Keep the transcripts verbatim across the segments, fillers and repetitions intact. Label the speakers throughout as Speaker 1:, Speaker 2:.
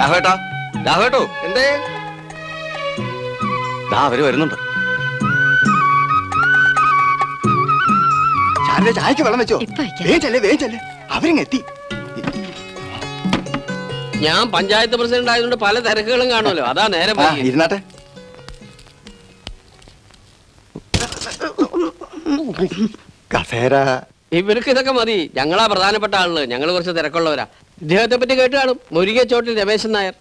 Speaker 1: രാഘവേട്ടാ, രാഘവേട്ടോ,
Speaker 2: എന്തേ?
Speaker 1: ദാ അവര് വരുന്നുണ്ട്.
Speaker 2: ചായക്ക് വെള്ളം വെച്ചോ? വേഗല്ലേ വേഗല്ലേ, അവരിങ് എത്തി.
Speaker 3: ഞാൻ പഞ്ചായത്ത് പ്രസിഡന്റ് ആയതുകൊണ്ട് പല തിരക്കുകളും കാണുമല്ലോ, അതാ നേരം
Speaker 2: ഇരുന്നാട്ടെ. കസേര
Speaker 3: ഇവർക്ക് ഇതൊക്കെ മതി. ഞങ്ങളാ പ്രധാനപ്പെട്ട ആളുകൾ, ഞങ്ങൾ കുറച്ച് തിരക്കുള്ളവരാ. ഇദ്ദേഹത്തെ പറ്റി കേട്ട് കാണും, മുരുകച്ചോട്ടിൽ രമേശൻ നായർ.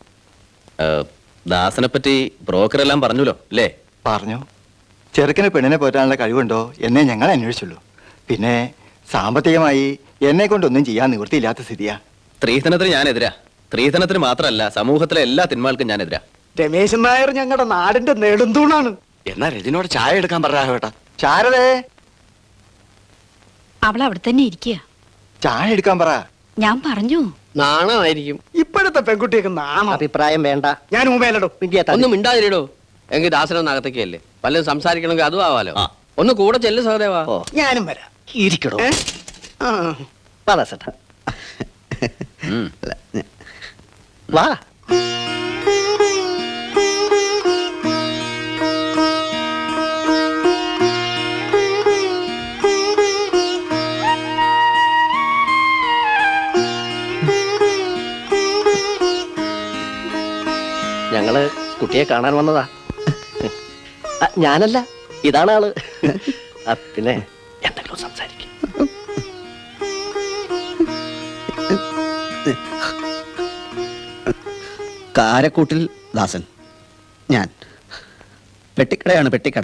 Speaker 1: ദാസനെ പറ്റി ബ്രോക്കർ എല്ലാം പറഞ്ഞല്ലോ അല്ലേ?
Speaker 2: പറഞ്ഞു. ചെറുക്കിന് പെണ്ണിനെ പോറ്റാനുള്ള കഴിവുണ്ടോ എന്നേ ഞങ്ങൾ അന്വേഷിച്ചുള്ളൂ. പിന്നെ സാമ്പത്തികമായി എന്നെ കൊണ്ടൊന്നും ചെയ്യാൻ നിവൃത്തിയില്ലാത്ത സ്ഥിതിയാ.
Speaker 1: സ്ത്രീധനത്തിന് ഞാനെതിരാ. സ്ത്രീധനത്തിന് മാത്രമല്ല, സമൂഹത്തിലെ എല്ലാ തിന്മകൾക്കും ഞാനെതിരാ.
Speaker 4: രമേശൻ നായർ ഞങ്ങളുടെ നാടിന്റെ നെടുന്തൂണാണ്.
Speaker 1: എന്നാ രജനോട് ചായ എടുക്കാൻ പറയാ.
Speaker 2: ശാരദേ,
Speaker 5: അവൾ അവിടെ തന്നെ ഇരിക്കുക.
Speaker 2: ചായ എടുക്കാൻ പറ.
Speaker 5: ഞാൻ പറഞ്ഞു.
Speaker 3: നാണമായിരിക്കും
Speaker 4: ഇപ്പോഴത്തെ പെൺകുട്ടിയൊക്കെ നാണം.
Speaker 6: അഭിപ്രായം വേണ്ട.
Speaker 4: ഞാൻ ഊമേലടോ.
Speaker 3: ഒന്നും മിണ്ടാതിരിടോ. എങ്കിൽ ദാസനൊന്ന് അകത്തേക്കല്ലേ, പലരും സംസാരിക്കണമെങ്കിൽ അതും ആവാലോ. ഒന്ന് കൂടെ ചെല്ലു സഹദേവാ.
Speaker 4: ഞാനും വരാം.
Speaker 6: ഇരിക്കടോ. വാ. ഞങ്ങള് കുട്ടിയെ കാണാൻ വന്നതാ. ഞാനല്ല, ഇതാണ് ആള്. പിന്നെ എന്തെങ്കിലും സംസാരിക്കും.
Speaker 7: കാരക്കൂട്ടിൽ ദാസൻ. ഞാൻ പെട്ടിക്കടയാണ്, പെട്ടിക്കട.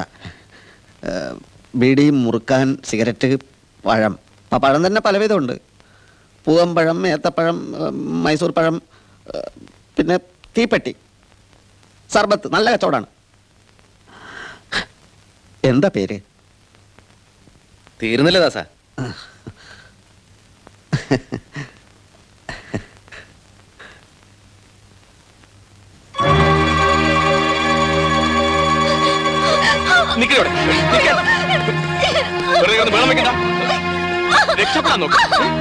Speaker 7: ബീഡി, മുറുക്കാൻ, സിഗരറ്റ്, പഴം. ആ പഴം തന്നെ പലവിധമുണ്ട്. പൂവമ്പഴം, ഏത്തപ്പഴം, മൈസൂർ പഴം, പിന്നെ തീപ്പെട്ടി, സർബത്ത്. നല്ല കച്ചവടമാണ്. എന്താ പേര്?
Speaker 1: തീർന്നില്ല ദാസ. രക്ഷപ്പെടാൻ നോക്ക്.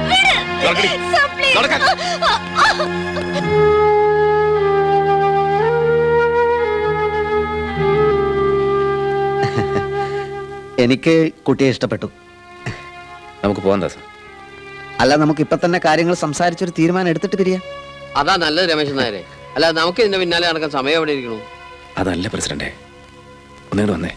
Speaker 7: എനിക്ക് കുട്ടിയെ ഇഷ്ടപ്പെട്ടു.
Speaker 1: നമുക്ക് പോകാം ദാസ.
Speaker 7: അല്ല, നമുക്ക് ഇപ്പൊ തന്നെ കാര്യങ്ങൾ സംസാരിച്ചൊരു തീരുമാനം എടുത്തിട്ട് പിരിയാം.
Speaker 3: അതാ നല്ലത് രമേശൻ നായരെ. അല്ല, നമുക്ക് ഇതിന്റെ പിന്നാലെ നടക്കാൻ സമയം എവിടെ ഇരിക്കണു?
Speaker 1: അതല്ല പ്രസിഡന്റെ, ഒന്നുകൂടെ വന്നേ.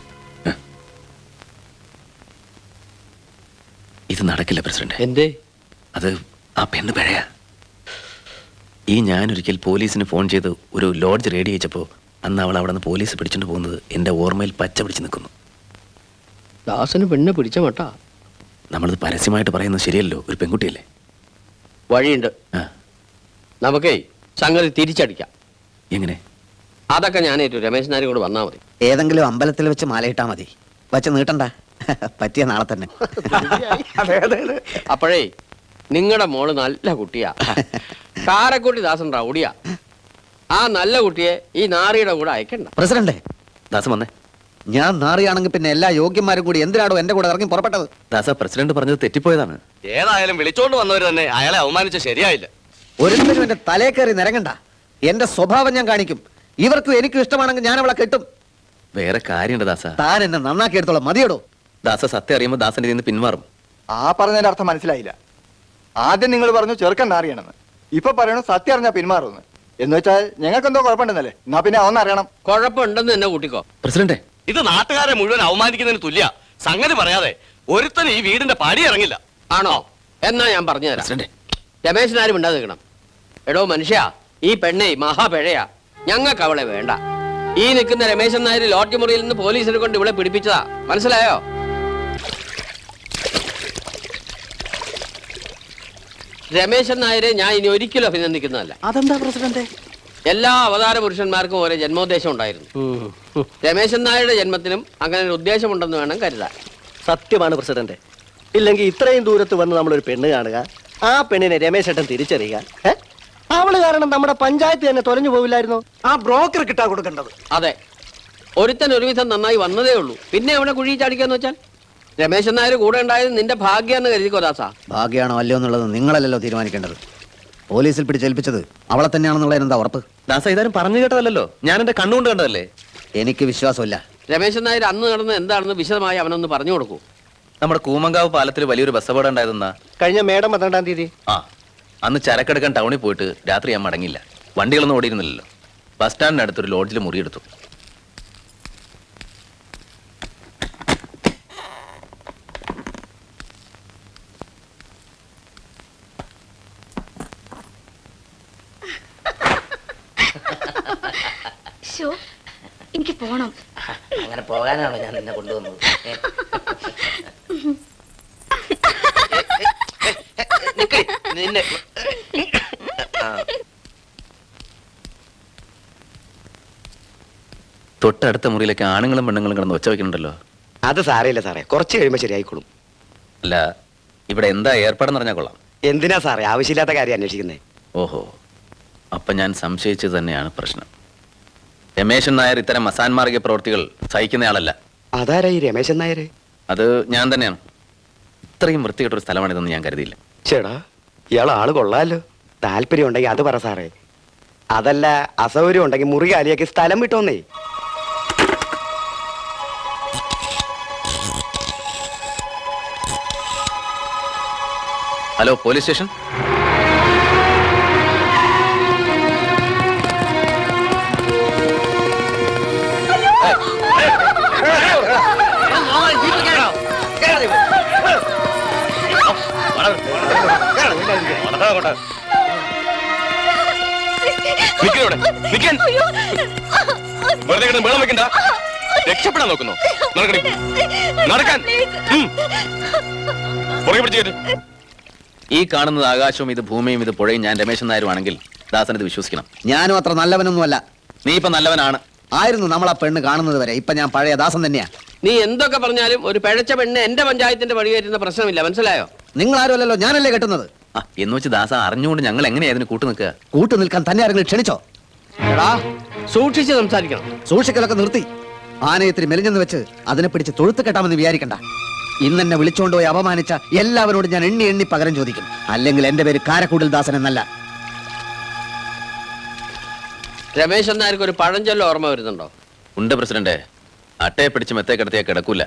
Speaker 1: ഇത് നടക്കില്ല പ്രസിഡന്റ്.
Speaker 3: എന്തേ?
Speaker 1: അത് ആ പെണ്ണ് പിഴയാ. ഈ ഞാനൊരിക്കൽ പോലീസിന് ഫോൺ ചെയ്ത് ഒരു ലോഡ്ജ് റെഡി അയച്ചപ്പോൾ അന്ന് അവൾ അവിടെ നിന്ന് പോലീസ് പിടിച്ചിട്ട് പോകുന്നത് എൻ്റെ ഓർമ്മയിൽ പച്ച പിടിച്ച് നിൽക്കുന്നു.
Speaker 3: ദാസന് പെണ്ണെ പിടിച്ച മട്ടാ.
Speaker 1: നമ്മളിത് പരസ്യമായിട്ട് പറയുന്നത് ശരിയല്ലോ, ഒരു പെൺകുട്ടിയല്ലേ.
Speaker 3: വഴിയുണ്ട്. നമുക്കേ സംഗതി തിരിച്ചടിക്കാം.
Speaker 1: എങ്ങനെ?
Speaker 3: അതൊക്കെ ഞാനേറ്റു. രമേശൻ നായർ കൂടെ വന്നാൽ മതി.
Speaker 7: ഏതെങ്കിലും അമ്പലത്തിൽ വെച്ച് മാലയിട്ടാ മതി. വച്ച് നീട്ടണ്ട. പറ്റിയ നാളെ തന്നെ.
Speaker 3: അപ്പോഴേ നിങ്ങളുടെ മോള് നല്ല കുട്ടിയാ. കാരക്കുട്ടി ദാസൻ റൗഡിയാ. ആ നല്ല കുട്ടിയെ ഈ നാറിയുടെ കൂടെ അയക്കണ്ട.
Speaker 7: പ്രസിഡന്റ്,
Speaker 1: ദാസം വന്നേ.
Speaker 7: ഞാൻ നാറിയാണെങ്കിൽ പിന്നെ എല്ലാ യോഗ്യന്മാരും കൂടി എന്തിനാണോ എന്റെ കൂടെ ഇറങ്ങി പുറപ്പെട്ടത്?
Speaker 1: ദാസ, പ്രസിഡന്റ് പറഞ്ഞത് തെറ്റിപ്പോയതാണ്. ഏതായാലും വിളിച്ചോണ്ട് വന്നവർ തന്നെ അയാളെ അവമാനിച്ച ശരിയായില്ല.
Speaker 7: ഒരിക്കലും എന്റെ തലേ കയറി നിരങ്ങണ്ട. എന്റെ സ്വഭാവം ഞാൻ കാണിക്കും. ഇവർക്കും എനിക്കും ഇഷ്ടമാണെങ്കിൽ ഞാൻ അവളെ കെട്ടും.
Speaker 1: വേറെ കാര്യമുണ്ട് ദാസ.
Speaker 7: താൻ എന്നെ നന്നാക്കി എടുത്തോളാം. മതിയോടോ.
Speaker 1: ദാസ, സത്യം അറിയുമ്പോൾ ദാസന്റെ നിന്ന് പിന്മാറും.
Speaker 2: ആ പറഞ്ഞതിന്റെ അർത്ഥം മനസ്സിലായില്ല. ആദ്യം നിങ്ങൾ പറഞ്ഞു ചെറുക്കൻ നാറിയണമെന്ന്, ഇപ്പൊ പറയണു സത്യം അറിഞ്ഞാ പിന്മാറുമെന്ന്. എന്ന് വെച്ചാൽ ഞങ്ങൾക്ക് എന്തോ കുഴപ്പമുണ്ടെന്നല്ലേ? എന്നാ പിന്നെ അവന്ന് അറിയണം.
Speaker 3: കുഴപ്പമുണ്ടെന്ന് തന്നെ കൂട്ടിക്കോ.
Speaker 1: പ്രസിഡന്റ്,
Speaker 8: ഇത് നാട്ടുകാരെ മുഴുവൻ അവമാനിക്കുന്നതിന് തുല്യ. സംഗതി പറയാതെ ഒരുത്തൻ ഈ വീടിന്റെ പടി ഇറങ്ങില്ല.
Speaker 3: ആണോ? എന്നാ ഞാൻ പറഞ്ഞു തരാം. രമേശൻ ആരും മിണ്ടാതെ നിൽക്കണം. എടോ മനുഷ്യ, ഈ പെണ്ണേ മഹാപിഴയാ. ഞങ്ങൾക്ക് അവളെ വേണ്ട. ഈ നിൽക്കുന്ന രമേശൻ നായർ ലോഡ്ജ് മുറിയിൽ നിന്ന് പോലീസിനെ കൊണ്ട് ഇവിടെ പിടിപ്പിച്ചതാ. മനസ്സിലായോ? രമേശൻ നായരെ ഞാൻ ഇനി ഒരിക്കലും അഭിനന്ദിക്കുന്നതല്ല.
Speaker 6: അതെന്താ പ്രസിഡന്റ്?
Speaker 3: എല്ലാ അവതാര പുരുഷന്മാർക്കും ഓരോ ജന്മോദ്ദേശം ഉണ്ടായിരുന്നു. രമേശൻ നായരുടെ ജന്മത്തിനും അങ്ങനെ ഒരു ഉദ്ദേശമുണ്ടെന്ന് വേണം കരുതാൻ.
Speaker 6: സത്യമാണ് പ്രസിഡന്റ്. ഇല്ലെങ്കിൽ ഇത്രയും ദൂരത്ത് വന്ന് നമ്മളൊരു പെണ്ണ് കാണുക, ആ പെണ്ണിനെ രമേശേട്ടൻ തിരിച്ചറിയുക. അവള് കാരണം നമ്മുടെ പഞ്ചായത്ത് തന്നെ തൊലഞ്ഞു പോവില്ലായിരുന്നു.
Speaker 4: ആ ബ്രോക്കർ കിട്ടാ കൊടുക്കേണ്ടത്.
Speaker 3: അതെ, ഒരുത്തൻ ഒരുവിധം നന്നായി വന്നതേ ഉള്ളൂ. പിന്നെ അവനെ കുഴി ചാടിക്കാന്ന് വെച്ചാൽ രമേശൻ നായർ കൂടെ ഉണ്ടായത് നിന്റെ ഭാഗ്യാന്ന് കരുതിക്കോ ദാസ.
Speaker 7: ഭാഗ്യാണോ അല്ലയോ എന്നുള്ളത് നിങ്ങളല്ലല്ലോ തീരുമാനിക്കേണ്ടത്. പോലീസിൽ പിടിച്ചേൽപ്പിച്ചത് അവളെ തന്നെയാണെന്നുള്ളതിന് എന്താ ഉറപ്പ്?
Speaker 1: ദാസ ഇതാരും പറഞ്ഞു കേട്ടതല്ലോ, ഞാൻ എന്റെ കണ്ണുകൊണ്ട് കണ്ടതല്ലേ.
Speaker 7: എനിക്ക് വിശ്വാസമില്ല.
Speaker 3: രമേശൻ നായർ അന്ന് നടന്ന് എന്താണെന്ന് വിശദമായി അവനൊന്ന് പറഞ്ഞു കൊടുക്കൂ.
Speaker 1: നമ്മുടെ കൂമങ്കാവ് പാലത്തിൽ വലിയൊരു ബസ് അപകടം ഉണ്ടായതെന്നാ.
Speaker 6: കഴിഞ്ഞ മേടം പന്ത്രണ്ടാം തീയതി
Speaker 1: ആ അന്ന് ചരക്കെടുക്കാൻ ടൗണിൽ പോയിട്ട് രാത്രി ഞാൻ മടങ്ങില്ല. വണ്ടികളൊന്നും ഓടിയിരുന്നില്ലല്ലോ. ബസ് സ്റ്റാൻഡിനടുത്തൊരു ലോഡ്ജിൽ മുറിയെടുത്തു.
Speaker 5: എനിക്ക് പോണം.
Speaker 9: അങ്ങനെ പോകാനാണോ ഞാൻ നിന്നെ കൊണ്ടുവന്നത്?
Speaker 8: നിന്നെ
Speaker 1: തൊട്ടടുത്ത മുറിയിലേക്ക് ആണുങ്ങളും പെണ്ണുങ്ങളും കിടന്ന് ഒച്ച വയ്ക്കുന്നുണ്ടല്ലോ.
Speaker 10: അത് സാരയില്ല സാറേ, കുറച്ച് കഴിയുമ്പോൾ ശരിയായിക്കോളും.
Speaker 1: അല്ല ഇവിടെ എന്താ ഏർപ്പാടെന്ന് അറിഞ്ഞാൽ കൊള്ളാം.
Speaker 10: എന്തിനാ സാറേ ആവശ്യമില്ലാത്ത കാര്യം അന്വേഷിക്കുന്നേ?
Speaker 1: ഓഹോ, അപ്പൊ ഞാൻ സംശയിച്ചത് തന്നെയാണ് പ്രശ്നം. രമേശൻ നായർ ഇത്തരം അസാൻമാർഗിക പ്രവൃത്തികൾ സഹിക്കുന്നയാളല്ല.
Speaker 10: അതാരാ ഈ രമേശൻ നായർ?
Speaker 1: അത് ഞാൻ തന്നെയാണ്. ഇത്രയും വൃത്തികെട്ടൊരു സ്ഥലമാണിതെന്ന് ഞാൻ കരുതിയില്ല.
Speaker 10: ചേടാ, ഇയാൾ ആള് കൊള്ളാലോ. താല്പര്യം ഉണ്ടെങ്കിൽ അത് പറ സാറേ. അതല്ല, അസൗകര്യം ഉണ്ടെങ്കിൽ മുറി കാലിയാക്കി സ്ഥലം വിട്ടോന്നേ.
Speaker 1: Hello, police station.
Speaker 8: വെറുതെ കിടന്ന് വെള്ളം വെക്കണ്ട. രക്ഷപ്പെടാൻ നോക്കുന്നു. നടക്കണേ, നടക്കാൻ. പുറകെ പിടിച്ചു കേട്ട്.
Speaker 1: ഈ കാണുന്നത് ആകാശവും ഇത് ഭൂമിയും ഇത് പുഴയും ഞാൻ രമേശൻ നായരും ആണെങ്കിൽ ദാസൻ ഇത് വിശ്വസിക്കണം.
Speaker 7: ഞാനും അത്ര നല്ലവനൊന്നുമല്ല.
Speaker 1: നീ ഇപ്പൊ നല്ലവനാണ്.
Speaker 7: ആയിരുന്നു നമ്മൾ ആ പെണ്ണ് കാണുന്നത് വരെ. ഇപ്പൊ ഞാൻ പഴയ ദാസൻ തന്നെയാ.
Speaker 3: നീ എന്തൊക്കെ പറഞ്ഞാലും ഒരു പിഴച്ച പെണ്ണ് എന്റെ പഞ്ചായത്തിന്റെ വഴി കയറ്റുന്ന പ്രശ്നമില്ല, മനസ്സിലായോ?
Speaker 7: നിങ്ങൾ ആരുമല്ലല്ലോ, ഞാനല്ലേ കെട്ടുന്നത്.
Speaker 1: ആ എന്ന് വെച്ച് ദാസ അറിഞ്ഞുകൊണ്ട് ഞങ്ങൾ എങ്ങനെയാ അതിന് കൂട്ടു നിൽക്കുക?
Speaker 7: കൂട്ടു നിൽക്കാൻ തന്നെ ആരെങ്കിലും ക്ഷണിച്ചോ? എടാ,
Speaker 3: സൂക്ഷിച്ച് സംസാരിക്കണം.
Speaker 7: സൂക്ഷിക്കലൊക്കെ നിർത്തി. ആനയത്തിന് മെലിഞ്ഞെന്ന് വെച്ച് അതിനെ പിടിച്ച് തൊഴുത്ത് കെട്ടാമെന്ന് വിചാരിക്കണ്ട. ഇന്നെന്നെ വിളിച്ചുകൊണ്ടുപോയി അപമാനിച്ച എല്ലാവരോടും ഞാൻ എണ്ണി എണ്ണി പകരം ചോദിക്കും. അല്ലെങ്കിൽ എന്റെ പേര് കാരക്കൂടിൽ ദാസൻ എന്നല്ല.
Speaker 3: രമേശൻ നായർക്ക് ഒരു പഴഞ്ചൊല്ല ഓർമ്മ വരുന്നുണ്ടോ?
Speaker 1: ഉണ്ട് പ്രസിഡന്റ്. അട്ടയെ പിടിച്ച് മെത്തേ കിടത്തിയാൽ കിടക്കൂല.